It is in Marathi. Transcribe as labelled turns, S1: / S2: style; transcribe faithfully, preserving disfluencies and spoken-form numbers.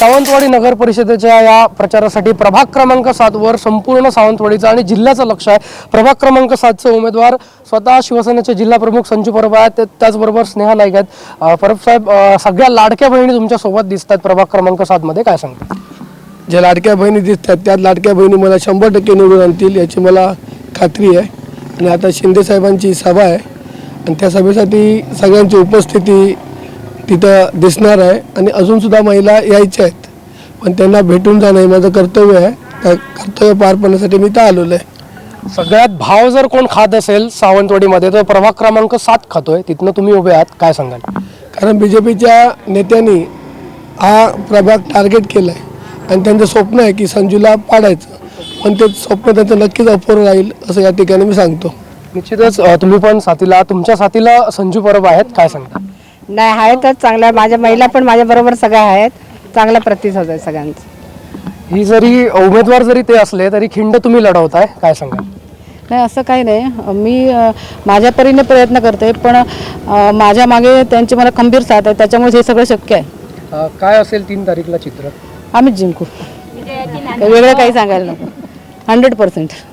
S1: सावंतवाडी नगर परिषदेच्या या प्रचारासाठी प्रभाग क्रमांक सात वर संपूर्ण सावंतवाडीचं आणि जिल्ह्याचं लक्ष आहे। प्रभाग क्रमांक सात चे उमेदवार स्वतः शिवसेनेचे जिल्हा प्रमुख संजू परब आहेत, त्याचबरोबर स्नेहा नाईक आहेत। परब साहेब, सगळ्या लाडक्या बहिणी तुमच्या सोबत दिसतात प्रभाग क्रमांक सात मध्ये, काय सांगता?
S2: ज्या लाडक्या बहिणी दिसतात त्या लाडक्या बहिणी मला शंभर टक्के निवडून आणतील याची मला खात्री आहे। आणि आता शिंदे साहेबांची सभा आहे आणि त्या सभेसाठी सगळ्यांची उपस्थिती तिथं दिसणार आहे आणि अजूनसुद्धा महिला यायच्या आहेत, पण त्यांना भेटून जाणं हे माझं कर्तव्य आहे। त्या कर्तव्य पार पाडण्यासाठी मी इथं आलेलो आहे।
S1: सगळ्यात भाव जर कोण खात असेल सावंतवाडीमध्ये तर प्रभाग क्रमांक सात खातोय, तिथनं तुम्ही उभे आहात, काय सांगाल?
S2: कारण बी जे पीच्या नेत्यांनी हा प्रभाग टार्गेट केला आहे आणि त्यांचं स्वप्न आहे की संजूला पाडायचं, पण ते स्वप्न त्यांचं नक्कीच अपूर्ण राहील असं या ठिकाणी मी सांगतो।
S1: निश्चितच तुम्ही पण साथीला, तुमच्या साथीला संजू परब आहेत, काय सांगता?
S3: नाही, आहेतच चांगल्या, माझ्या महिला पण माझ्या बरोबर सगळ्या आहेत, चांगला प्रतिसाद आहे सगळ्यांचा।
S1: ही जरी उमेदवार जरी ते असले तरी खिंड तुम्ही लढवताय, काय सांगाल?
S3: नाही, असं काही नाही, मी अ, माझ्या परीने प्रयत्न करते, पण अ, माझ्या मागे त्यांची मला खंबीर साथ आहे, त्याच्यामुळे हे सगळं शक्य आहे।
S1: अ, काय असेल तीन तारीखला चित्र?
S3: आम्हीच जिंकू, वेगळं काही सांगायला नको, हंड्रेड पर्सेंट।